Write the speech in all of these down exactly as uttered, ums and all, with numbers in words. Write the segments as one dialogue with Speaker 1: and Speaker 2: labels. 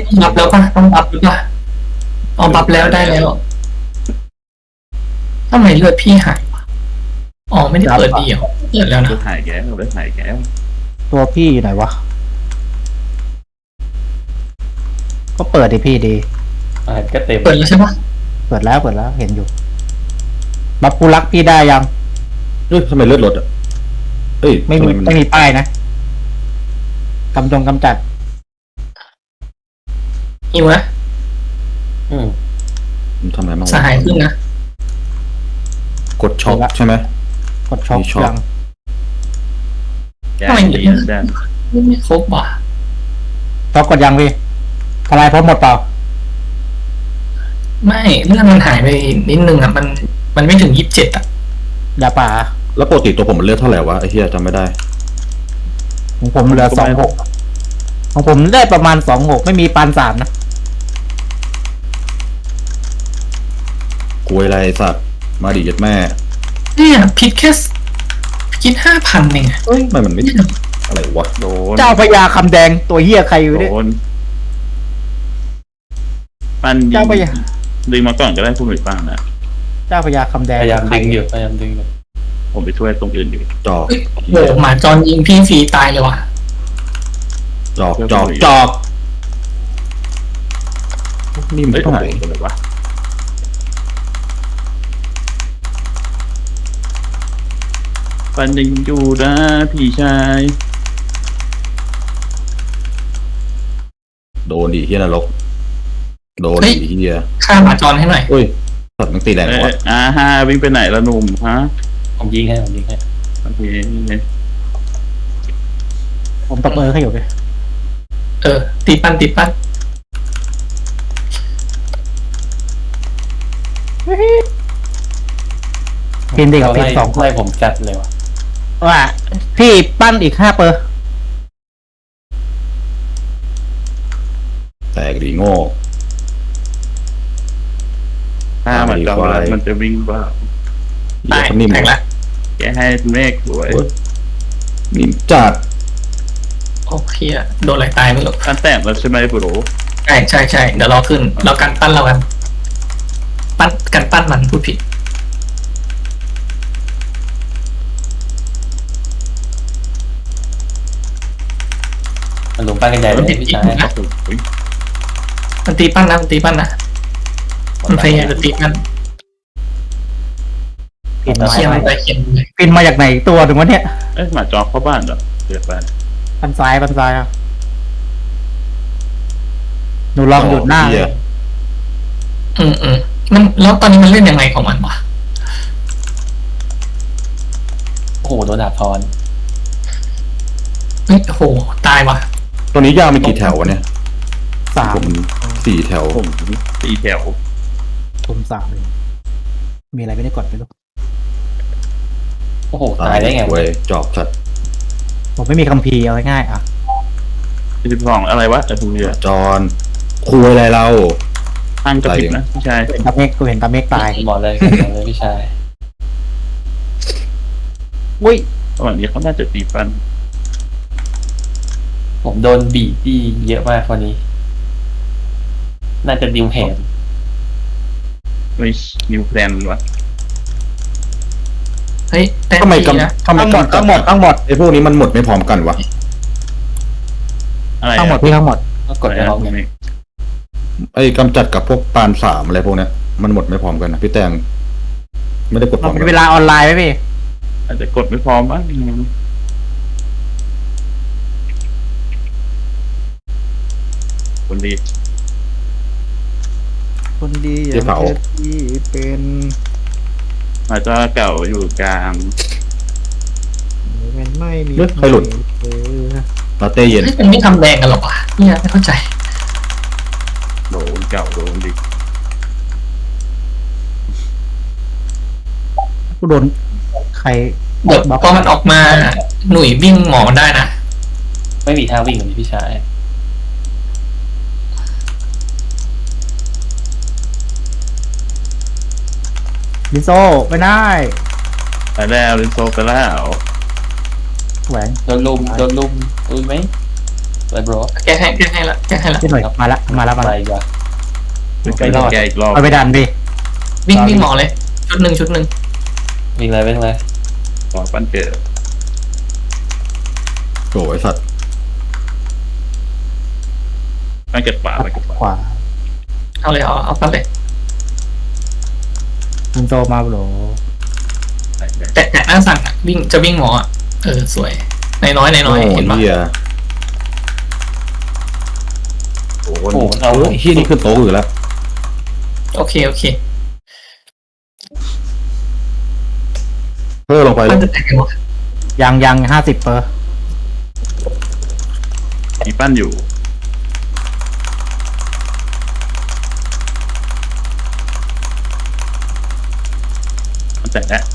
Speaker 1: ต้องบัฟแล้วป่ะต้องบัฟหรือป่ะอ๋อบัฟแล้วได้แล้วทำไมเลือดพี่หายวะอ๋อไม่ได้เปิดดีเหรอเปิดแล้วนะ
Speaker 2: เลือดหายแก้วเลือดหายแก้ว
Speaker 3: ตัวพี่อยู่ไหนวะก็เปิดดิพี่ดี
Speaker 4: อ่าก็เต็ม
Speaker 1: เปิดแล้วใช่ปะ
Speaker 3: เปิดแล้วเปิดแล้วเห็นอยู่บัฟกูรักพี่ได้ยัง
Speaker 5: เฮ้ยทำไมเลือดลดอ่ะเอ้ย
Speaker 3: ไม่มี
Speaker 5: ทำน
Speaker 3: ไม่มีป้ายนะกำจงกำจัด
Speaker 1: หิวนะ
Speaker 4: อืม
Speaker 5: มันทำอะไรบ้างวะ
Speaker 1: สหายขึ้นนะ
Speaker 5: กดช็อคใช่ไหม
Speaker 3: กดช็อค
Speaker 5: มีช็อค
Speaker 3: ยัง
Speaker 2: แก้วดีแดน
Speaker 1: ไม่ครบว่ะ
Speaker 3: ช็อคกดยังพี่ทลายพร้อมหมดเปล่า
Speaker 1: ไม่เลือดมันหายไปนิดนึงอ่ะมันมันไม่ถึงยี่สิบเจ็ดอ่ะ
Speaker 3: ยาป่า
Speaker 5: แล้วปกติตัวผมมันเลือดเท่าไหร่วะไอ้เหี้ยจำไม่ได้
Speaker 3: ของผมเหลือสองหกของผมได้ประมาณสองหกไม่มีปานสามนะ
Speaker 5: กลัวอะไรไอ้สัตว์มาดิยัดแม่
Speaker 1: เนี่ยพิษแค่คิดห้าพันเองอะ
Speaker 5: เอ้ยทำไมมันไม่อะไรวะ
Speaker 2: โดน
Speaker 3: เจ้าพญาคำแดงตัวเหี้ยใครอยู่เนี่ย
Speaker 2: โดนปั้นยิ
Speaker 3: เจ้าพ
Speaker 2: ง
Speaker 3: ญา
Speaker 2: ดึงมาก่อนก็ได้ผู้หน่วยปั้นนะ
Speaker 3: เจ้าพญาคำแดง
Speaker 4: พยายามดึงอยู่พยายามดึงอยู่
Speaker 2: ผมไปช่วยตรงอื่นอยู่
Speaker 5: จอก
Speaker 1: เฮ้ยโหหมาจรยิงพี่ฟรีตายเลยว่ะ
Speaker 5: จอกจอกจอกนี่มัน
Speaker 2: เอ้ย
Speaker 5: เท่าไหร่
Speaker 2: โดนเลยวะปั้นยิงอยู่นะพี่ชาย
Speaker 5: โดนดิเฮียนรกโดนดิเฮีย
Speaker 1: ฆ่าหมาจรให้หน่อย
Speaker 5: เฮ้ยสัตว์มันตีแรง
Speaker 2: เอ้
Speaker 5: วะ
Speaker 2: ยอ่าฮะวิ่งไปไหนละหนุ่มฮะ
Speaker 4: ผมยิงให้ผมยิงให้
Speaker 2: โอเค
Speaker 3: ผมตบมือให้อยู่เลย
Speaker 1: เออตีปั้นตีปั้น
Speaker 3: พินดีกับพิน
Speaker 4: ไล่
Speaker 3: สอง
Speaker 4: ไล่ผมจัดเลยว่ะ
Speaker 3: ว่าพี่ปั้นอีกห้าเปอร์
Speaker 5: แตกดีโง่
Speaker 2: ถ้ามันจะ
Speaker 5: ควาย
Speaker 2: มันจะวิ่งบ้า
Speaker 5: เหี้
Speaker 1: ตาย ย
Speaker 5: เขานิ่ม
Speaker 1: แตกละ
Speaker 2: แกให้เมฆสวย
Speaker 5: โอ๊ยนิ่มจัด
Speaker 1: โอเคอะโดนอะไรตายไม่รู้
Speaker 2: ขั้นแต้มแล้วใช่ไหมปุโร
Speaker 1: ใช่ใช่ใช่เดี๋ยวรอขึ้นเรากันปั้นเรากันปั้นกันปั้นมันพูดผิด
Speaker 4: มันหลุมปั้นกันใหญ่เลยพี่ชาย
Speaker 2: โอ้ย
Speaker 1: มันตีปั้นนะมันตีปั้นนะมันพยายามจะตีปั้น
Speaker 3: พินมา
Speaker 1: เชียร์มันไปเขียนเลย
Speaker 3: พินมาจากไหนตัวถึงวะเนี่ย
Speaker 2: เอ้ยหมาจอกเข้าบ้านเหรอเดือดบ้าน
Speaker 3: ปันซ้ายปันซ้ายอ่ะหนูลองหยุดหน้า
Speaker 5: เหี้ย
Speaker 1: อืมอืมมันแล้วตอนนี้มันเล่นยังไงของมันวะ
Speaker 4: โอ้โหโดนดาบทอน
Speaker 1: เฮ้ยโหตายว่ะ
Speaker 5: ตัวนี้ยาวมีกี่แถววะเนี่ย
Speaker 3: สาม
Speaker 5: ผมสี่แถว
Speaker 2: ผมตีแถว
Speaker 3: ผมสามเลยมีอะไรไม่ได้กดไปลูก
Speaker 4: โอ้โหตายได้ไง
Speaker 5: เว้ยจอกจัด
Speaker 3: ผมไม่มีคัมภีร์เอาง่ายๆอ่ะ
Speaker 2: สิบสองอะไรวะไอ้ทุเรีย
Speaker 5: จอนคุยอะไรเรา
Speaker 2: ห้างกระพริบนะพี่ชาย
Speaker 3: เห็นตาเมฆกูเห็นตาเมฆตาย
Speaker 4: บอกเลยบอกเลยพี่ชาย
Speaker 3: อุ้ย
Speaker 2: ระหว่างนี้เขาน่าจะตีฟัน
Speaker 4: ผมโดนบีบที่เยอะมากคนนี้ น่าจะดิวแหน
Speaker 2: ไม่นิวแพลนวะ
Speaker 1: เฮ้ยแต่
Speaker 5: ทำไม
Speaker 1: ดีนะ
Speaker 5: กำทำไม
Speaker 3: ทั้งหมด
Speaker 5: กำ
Speaker 3: ทั้งหมดทั้งหมด
Speaker 5: ไอ้พวกนี้มันหมดไม่พร้อมกันวะ
Speaker 2: อะไร
Speaker 3: ทั้งหมดพี่ทั้งหมด
Speaker 4: ก็กดไปพร้อมกัน
Speaker 5: ไอ้กำจัดกับพวกปานสามอะไรพวกเนี้ยมันหมดไม่พร้อมกันนะพี่แตงไม่ได้กดพร้
Speaker 3: เรา
Speaker 5: อม
Speaker 3: มี
Speaker 5: กัน
Speaker 3: เวลาออนไลน์ไหมพี่
Speaker 2: อาจจะกดไม่พร้อมบ้างคนดี
Speaker 3: คนดี
Speaker 5: เจ๊เผา
Speaker 3: ที่เป็น
Speaker 2: อาจจะเก่าอยู่กลาง
Speaker 3: มันไม่มี
Speaker 5: เฮ้ยใครหลุดลาเต้เย็น
Speaker 1: เฮ้ยมันไม่ทำแดงกันหรอวะเนี่ยไม่เข้าใจ
Speaker 2: โดนเก่าโดนดิ
Speaker 3: กูโดนใคร
Speaker 1: เดี๋ยวพอมันออกมาหนุ่ยวิ่งหมอมันได้นะ
Speaker 4: ไม่มีท่าวิ่งเลยพี่ชาย
Speaker 3: ลิโซไม่ได้
Speaker 2: ไปแล้วลินโซไปแล้ว
Speaker 3: แหวน
Speaker 4: โดนลุมโดนลุมลุมไหมโดวยบร
Speaker 1: แก้ให้แก้ให้ละแก้ให้ละ
Speaker 3: พี่หน่อยมาละมาละมา
Speaker 4: อะไร
Speaker 3: ละ
Speaker 4: อีกวะ
Speaker 2: ไปรอดแกอีกรอบ
Speaker 3: เอาไปดันดิ
Speaker 1: วิ่งวิ่งหมอเลย ชุดหนึ่งชุดหนึ่ง
Speaker 4: วิ่งเลยวิ่งเลย
Speaker 2: ขอปั้นเกิด
Speaker 5: โถ่ไอสัตว์
Speaker 2: ปั้นเกิดขวาไปเกิดขวา
Speaker 3: ขวา
Speaker 1: เอาเลยเอาเอาไปเลย
Speaker 3: คุณโตมาโบร
Speaker 2: ไปไป
Speaker 1: แต่แต่หน้าสั่งอะวิ่งจะวิ่งหมออะเออสวยในน้อยในน้อย
Speaker 5: โอ้
Speaker 1: เห็นปะ
Speaker 5: เหี้ยโอ้โห
Speaker 4: โอ้โหเอา
Speaker 5: ไอ้เหี้ยนี่ขึ้นโต๊ะอยู่แล้ว
Speaker 1: โอเคโอเค
Speaker 5: เพิ่มลงไปเล
Speaker 1: มัน
Speaker 5: ย
Speaker 1: จะแตกกันวะ
Speaker 3: ยังยังห้าสิบเปอร์
Speaker 2: มีปั้นอยู่มันแตกแล้ว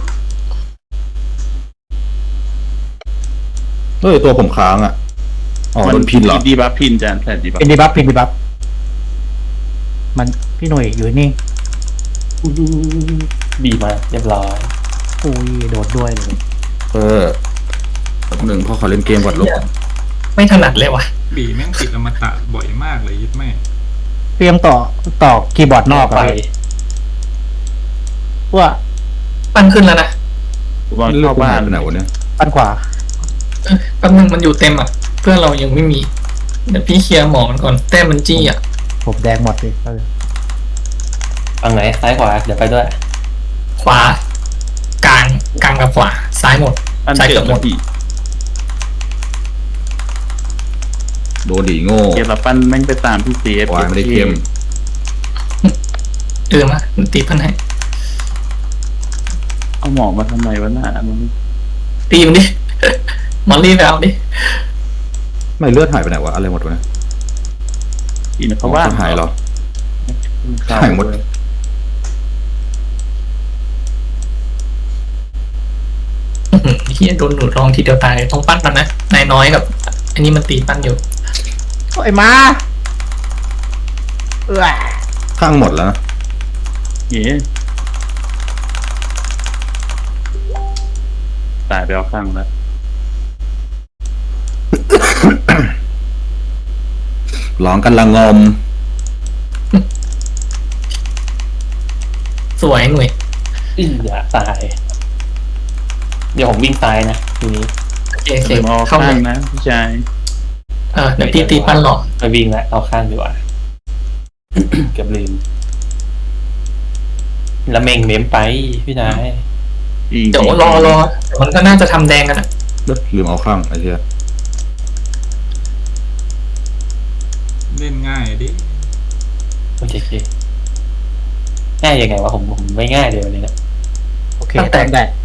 Speaker 5: เฮ้ยตัวผมค้างอ่ะอ๋อโดนพินเหรอ
Speaker 2: ดีบัฟพินจานแทนดีบัฟ
Speaker 3: เป็นดีบัฟเป็นดีบัฟมันพี่หน่วยอยู่นี่
Speaker 4: บีมาเรียบร้อย
Speaker 3: อุ้ยโดดด้วยเลย
Speaker 5: เออแป๊บหนึ่งพ่อขอเล่นเกมก่อนลูก
Speaker 1: ไม่ถนัดเลยวะ
Speaker 6: บีแม่งติดอมตะบ่อยมากเลยยึดแม่
Speaker 3: เตรียมต่อต่อคีย์บอร์ดนอกอะ
Speaker 4: ไป
Speaker 3: พี่ว่า
Speaker 1: ปั้นขึ้นแล้วนะ
Speaker 2: บอล
Speaker 5: เลือ
Speaker 2: เข้าก
Speaker 5: บ้า
Speaker 2: บ้าน น
Speaker 5: ไปไหนวะเนี่ย
Speaker 3: ปั้นขวา
Speaker 1: เออแป๊บนึงมันอยู่เต็มอ่ะ เพื่อนเรายังไม่มีเดี๋ยวพี่เคลียร์หมอมันก่อนแต้มมันจี้อ่ะ
Speaker 3: ผมแดงหมดเลย
Speaker 4: ฝั่งไหนซ้ายขวาเดี๋ยวไปด้วย
Speaker 1: ขวากลางกลางกับขวาซ้ายหมด
Speaker 2: ปั้น
Speaker 1: ซ้าย
Speaker 2: เกิ
Speaker 1: เกื
Speaker 2: ด
Speaker 1: อบหมด
Speaker 2: พี่
Speaker 5: โดนดีโง่
Speaker 2: เกมละปั้นแม่งไปตามพี่เซฟ
Speaker 5: วายไม่ได้เกม
Speaker 1: เออมาตีพันให้
Speaker 2: เอาหมอมาทำไมวะหน้ามัน
Speaker 1: ตีมันดิ มอลลี่ไปเอาดิ
Speaker 5: ไม่เลือดหายไปไหนวะอะไรหมดวะเนี่ย
Speaker 2: กินเขาบ้าน
Speaker 5: หายเหรอ หายหมด
Speaker 1: อื้อหือเฮียโดนหนูรองทีเดียวตายต้องปั้นมันนะนายน้อยกับ อันนี้มันตีปั้นอยู่
Speaker 3: ไอ้มาเออ
Speaker 5: ข้างหมดแล้วนะ
Speaker 2: เฮ้ตายไปเอาข้างแล้ว
Speaker 5: ร้องกันละงม
Speaker 1: สวยหน่วย
Speaker 4: อีอย่าตาย เดี๋ยวผมวิ่งซ้ายนะทีนี้
Speaker 1: โอเคโอเค
Speaker 2: เดี๋ยวเอา
Speaker 1: เข้า
Speaker 2: ข้า
Speaker 1: เล
Speaker 2: ง
Speaker 1: ย
Speaker 2: นะพี่ชาย
Speaker 1: เออเดี๋ยวพี่ตีปั้นหรอ
Speaker 4: ไปวิ่งแล้วเอาข้างดีกว่า เกือบลืมละเมงเมมไปพี่นาย
Speaker 2: อีก
Speaker 1: เดี๋ยวรอรอเดี๋ยวมันก็น่าจะทำแดงกันอะ
Speaker 5: ลืมเอาข้างไอ้เหี้ย
Speaker 6: เล่นง่ายดิ
Speaker 4: โอเคโอเคง่ายยังไงวะผมผมไม่ง่ายเลยวันนี้นะ
Speaker 3: โอเคแตกแตก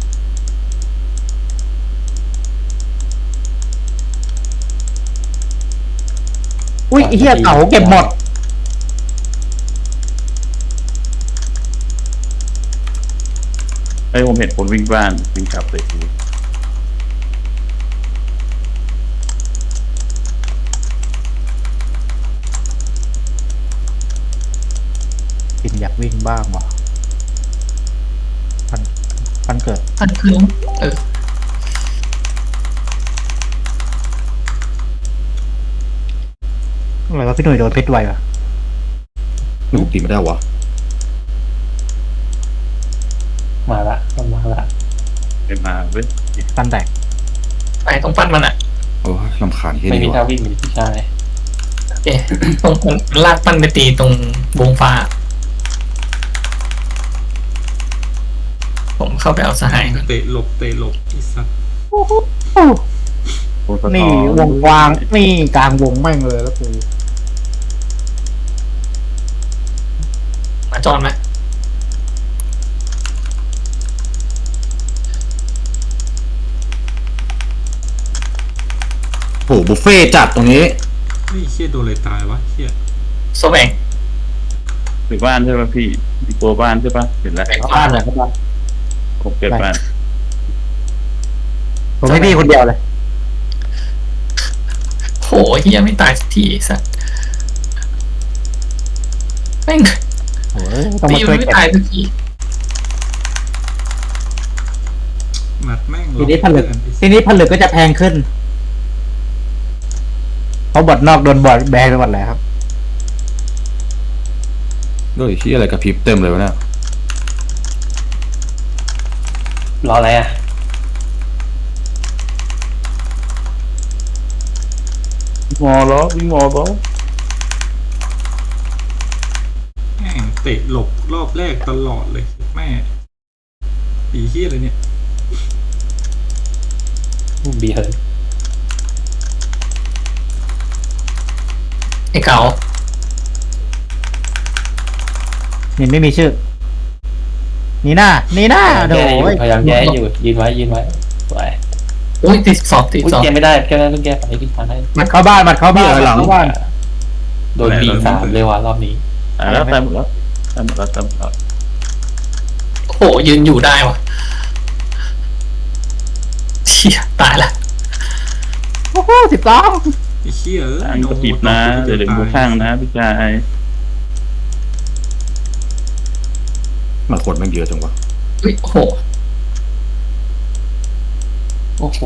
Speaker 3: อุ้ยไอ้เหี้ยเก๋าเก็บหมด
Speaker 2: ไอ้ยผมเห็นคนวิ่งบ้านวิ่งกลับเลยดู
Speaker 3: กินอยากวิ่งบ้างว่ะปันปันเกิด
Speaker 1: ปั้นขึ้นเออ
Speaker 3: อะไรวะพี่หนุ่ยโดนเพชรไววะ
Speaker 5: หนูตีไม่ได้วะ
Speaker 4: มาละมันมาละ
Speaker 2: ไปมาเว้ย
Speaker 3: ปันแตก
Speaker 1: ไปต้องปั้นมันอะ
Speaker 5: โอ้ยลำคาญแค่
Speaker 4: ไม่
Speaker 5: นี้
Speaker 4: มี
Speaker 5: วะ
Speaker 4: ท่าวิ่งมีพี่ชาย
Speaker 1: โอเคตรงผมลากปั้นไปตีตรงวงฟ้า ผมเข้าไปเอาสหายก่อน
Speaker 6: เตะหลบเตะหลบไอีสัตว์
Speaker 2: โอ้สะท้อ
Speaker 3: นี่วงกว้างนี่กลางวงแม่งเลยแล้วกู
Speaker 1: มาจอนไหม
Speaker 5: โหบุฟเฟ่ต์จัดตรงนี้
Speaker 6: เฮ้ยเชี่ยโดนอะไรตายวะเชี่ย
Speaker 1: โซแบง
Speaker 2: หรือบ้านใช่ป่ะพี่มีตัวบ้านใช่ป่ะเห็นแล้ว
Speaker 3: บ้านเลยครับ
Speaker 2: ผมเกิดบ้าน
Speaker 3: ผมให้พี่คนเดียวเลย
Speaker 1: โหเฮียไม่ตายสักทีไอ้สัสแม่ง
Speaker 3: โอ้ยต้อง
Speaker 1: ตี
Speaker 3: มาช่
Speaker 1: มั
Speaker 3: วน ย
Speaker 1: ไม่
Speaker 3: เก็บ
Speaker 1: ตายสักที
Speaker 6: หมัดแม่ง
Speaker 3: ทีนี้ผลึก
Speaker 6: เกินไอ้สั
Speaker 3: ที
Speaker 6: ส
Speaker 3: นี้ผลึกก็จะแพงขึ้นราะบอดนอกโดนบอดแบนไปหมดแล้วครับ
Speaker 5: ด้วยที่อะไรกระพริบเต็มเลยวะเนี่ย
Speaker 4: รออะไรอ่ะ
Speaker 2: งอแล้ววิ่งงอแล้ว
Speaker 6: แม่งเตะหลบรอบแรกตลอดเลยแม่ปีเฮียอะไรเนี่ย
Speaker 4: บีเฮิร์น
Speaker 1: ไอ้เก๋า
Speaker 3: นี่ไม่มีชื่อ นี่หน้า นี่หน้าโด
Speaker 4: แก้อยู่
Speaker 3: ย
Speaker 4: พยายามแก้อยู่ยืนไว้ยืนไว้สวย
Speaker 1: อุ้ยติดสอบติด
Speaker 4: อุ้ย
Speaker 1: สอบ
Speaker 4: แก้ไม่ได้แก้ไม่ได้ต้องแก้ไปพี่ชาย
Speaker 3: มัดเข้าบ้านมัดเข้าบ้าน
Speaker 5: เบี้ยหลัง
Speaker 3: เข้าบ้าน
Speaker 4: โดนบีสามเลยว่ะรอบนี้
Speaker 2: ตายแล้วตายหมดแล้วตายหมดแล้วตายหมดแล้ว
Speaker 1: โอ้โหยืนอยู่ได้วะเชี่ยตายละ
Speaker 3: โอ้โหสิบสอง
Speaker 6: ไอ้เฮียเอ้ย
Speaker 2: ทางกระปิบนะเดี๋ยวเดี๋ยวดูข้างนะพี่ชาย
Speaker 5: หมาขดแม่งเยอะจังวะ
Speaker 1: อุ้ยโอ้โห
Speaker 4: โอ้โห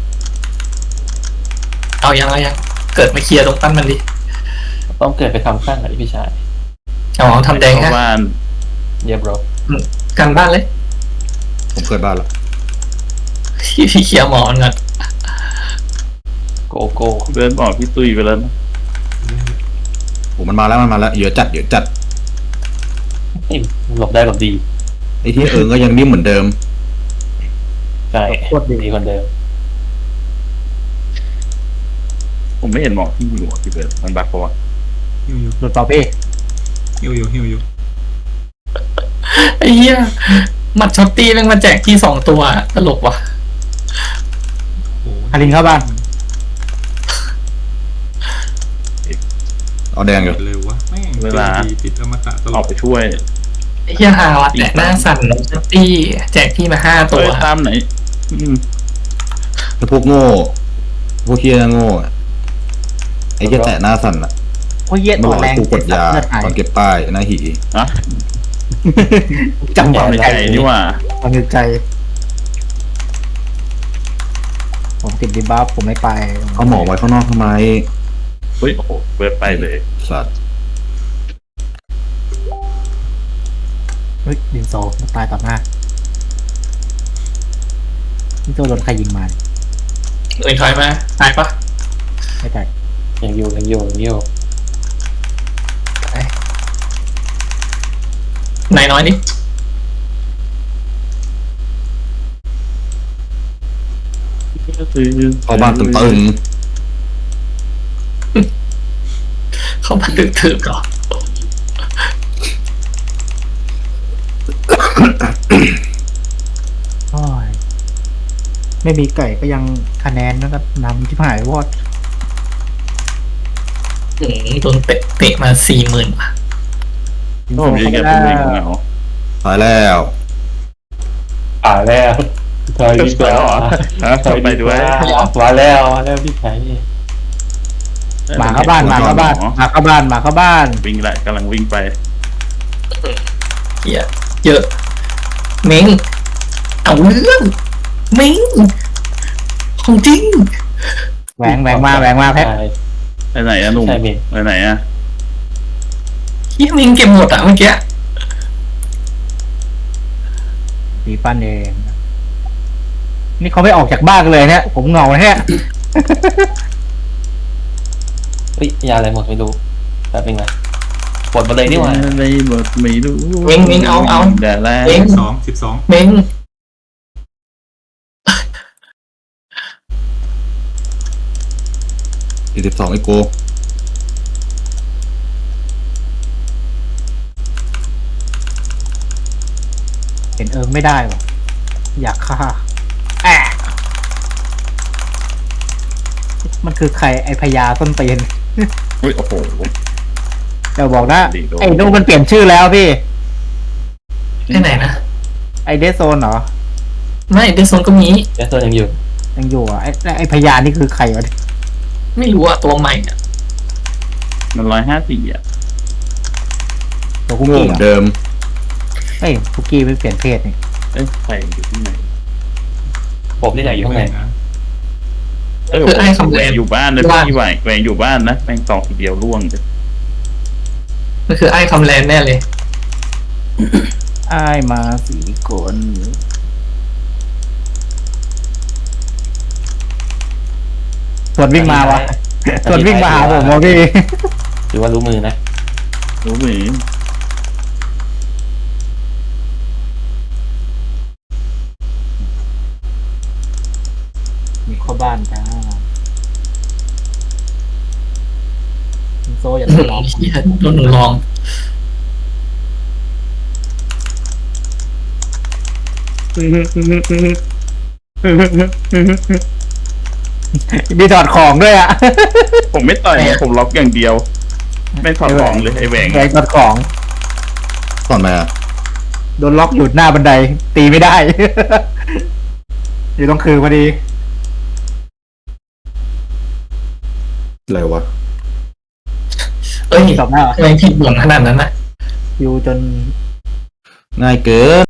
Speaker 1: เอายังเอายังเกิดมาเคลียร์ตรงปั้นมันดิ
Speaker 4: ต้องเกิดไปทำข้างไหนพี่ชาย
Speaker 1: เอาทำแดง
Speaker 2: เข้า
Speaker 1: ฮะ
Speaker 2: บ้าน
Speaker 4: เยียบรอ
Speaker 1: กันบ้านเลย
Speaker 5: ผมเคยบ้านละ
Speaker 1: พี่พี่เคลียร์หมอนก่อน
Speaker 4: โกโก้
Speaker 2: เดินบอกพี่ตุ้ยไปแล้วนะ
Speaker 5: โอ้มันมาแล้วมันมาแล้วเยอะจัดเยอะจัด
Speaker 4: หลบได้หลบดี
Speaker 5: ไอ้ที่เอิงก็ยังนิ่มเหมือนเดิม
Speaker 4: ใช่
Speaker 3: โคตรดี
Speaker 4: ดีคนเดิม
Speaker 2: ผมไม่เห็นหมอกที่อยู่อ่ะพี่เบิร์ดมันบักเพราะว่า
Speaker 6: หิวอยู่
Speaker 3: หลุดเปล่าพี่
Speaker 6: หิวอยู่หิวอยู่
Speaker 1: ไอ้เหี้ยหมัดช็อตตี้แม่งมาแจกที่สองตัวตลกว่ะ
Speaker 6: โอ้โห
Speaker 3: ฮารินเข้าบ้าน
Speaker 5: เอาแดงอยู่
Speaker 6: เร็ววะแม่งเวลาติดอมตะตล
Speaker 2: อ
Speaker 6: อ
Speaker 2: อก
Speaker 6: ด
Speaker 2: ไปช่วย
Speaker 1: ไอ้เหี้ยฮาวัดแจกหน้าสั่นช็อตตี้แจกที่มาห้าตั
Speaker 2: ตัว วตามไหนอืม
Speaker 5: ถ้าพวกโง่พวกเฮียโง่อะไอ้เฮียแตะหน้าสั่นอ่ะ
Speaker 3: โอ้ยเย็ด
Speaker 5: มัน
Speaker 3: ตั
Speaker 5: บ
Speaker 3: ว
Speaker 5: อก
Speaker 3: แร
Speaker 5: ให้
Speaker 3: ง
Speaker 5: กูกดยา
Speaker 3: เลือดหาย
Speaker 5: ตอนเก็บป้ายหน้าหี
Speaker 2: อะ
Speaker 3: จังหวะ
Speaker 2: ไม่
Speaker 3: ใจ
Speaker 2: ใจนี่ว่า
Speaker 3: ความในใจ ผมติดดีบัฟผมไม่ไป
Speaker 5: เอาหมอไว้ข้างนอกทำไม
Speaker 2: เฮ้ยโอ้โหเบิร์ดไปเลย
Speaker 5: สัตว์
Speaker 3: เฮ้ยดินโซมันตายต่อหน้านี่ตัวโดนใครยิงมา
Speaker 1: เอ้ยถอยมาตายปะ
Speaker 3: ไม่แตก
Speaker 4: ยังอยู่ยังอยู่ยังอยู่
Speaker 1: นายน้อยนี่
Speaker 2: ก็คือ
Speaker 5: เข้าบ้านตึงตึง
Speaker 1: เข้ามาดึกถือเหรอ
Speaker 3: โอ้ยไม่มีไก่ก็ยังคะแนนนะครับนำที่หายวอด
Speaker 1: อืมโดนเตะเตะมาสี่หมื่นว่ะ
Speaker 2: โอ้ผมยิงแกเป็นวิ่งเหงา
Speaker 5: ตายแล้ว
Speaker 4: อ่าแล้วถอยดีกว่า
Speaker 2: ฮะไปด้วย
Speaker 4: มาแล้วมาแล้วพี่ชาย
Speaker 3: หมาเข้าบ้านหมาเข้าบ้านหมาเข้าบ้านหมาเข้าบ้าน
Speaker 2: วิ่งแหละกำลังวิ่งไป
Speaker 1: เหี้ยเยอะเม้งเอาเรื่องเม้งของจริง
Speaker 3: แหวงแหวงมาแหวงมาแพ็ค
Speaker 2: ไปไหนอะหนุ่ม
Speaker 4: ใช่เมน
Speaker 2: ไปไหนอะ
Speaker 1: เฮียเม้งเก็บหมดอะเมื่อกี้
Speaker 3: ตีปั้นเองนี่เขาไม่ออกจากบ้านกันเลยเนี่ยผมเหงาแท้
Speaker 4: เฮ้ยยาอะไรหมดไม่รู้แป๊บนึงนะปลดมาเลยนี่หว่า
Speaker 2: ไม่หมดไม่รู้
Speaker 1: เม้งเม้งเอาเอา
Speaker 2: แต่แล้ว
Speaker 1: เม้ง
Speaker 6: สองสิบสอง
Speaker 1: เม้ง
Speaker 5: สี่สิบสองไอโก
Speaker 3: เห็นเอิงไม่ได้วะอยากฆ่าแอะมันคือใครไอพญาต้นเตียน
Speaker 2: อุ้ยโอ้โห
Speaker 3: เดี๋ยวบอกนะ
Speaker 2: ดีโด
Speaker 3: ไอ้นู่นมันเปลี่ยนชื่อแล้วพี่
Speaker 1: ที่ไหนนะ
Speaker 3: ไอเดซโซนเหรอ
Speaker 1: ไม่เดซโซนก็มี
Speaker 4: เดี๋ยวตัวยังอยู่
Speaker 3: ยังอยู่อ่ะไอไอพญานี่คือใครวะ
Speaker 1: ไม่รู้อะตัวใหม่อะ
Speaker 2: มันร้อยห้าสี่อ่ะ
Speaker 3: ตัวคุก
Speaker 5: โง่
Speaker 3: กี้
Speaker 5: เหมือน
Speaker 3: เหรอ
Speaker 5: เดิม
Speaker 3: เฮ้ยคุกกี้ไม่เปลี่ยนเพศนี่
Speaker 2: เอ้ยใครอยู่ที่ไหน
Speaker 4: ผมนี่ไหนอยู่ข้างใน
Speaker 6: นะ
Speaker 2: เออ
Speaker 1: คือไอ้คำ
Speaker 2: แห
Speaker 1: แร
Speaker 2: ว
Speaker 1: ง
Speaker 2: งอยู่บ้านนะ
Speaker 1: ว่า
Speaker 2: พี่ไหวแหวงอยู่บ้านนะแม่งตองทีเดียวร่วงเลย
Speaker 1: มันคือไอ้คำแรงแน่เลย
Speaker 3: อ้ายมาสี่คนส่วนวิ่งมาวะส่วนวิ่งมาหาผมวะพี่
Speaker 4: หรือว่ารู้มือนะ
Speaker 2: รู้ไหม
Speaker 3: มีเข้าบ้านจ้าคุณโซอย่า
Speaker 1: โด
Speaker 3: ทะ
Speaker 1: น
Speaker 3: เลาะ
Speaker 1: เหี้ยโดนหนูลอง
Speaker 3: มีถอดของด้วยอ่ะ
Speaker 2: ผมไม่ต่อยนะผมล็อกอย่างเดียว ไม่ถอดของเลยไอ้แหวง
Speaker 3: แหวงถอดของ
Speaker 5: ก่อนมาอะ
Speaker 3: โดนล็อกอยู่หน้าบันได ตีไม่ได้ อยู่ตรงคือพอดี
Speaker 5: อะไรวะ
Speaker 1: เอ้ย
Speaker 3: ตบหน้า
Speaker 1: ทำไมผิดหวังขนาดนั้นนะ
Speaker 3: อยู่จน
Speaker 5: ง่ายเกิน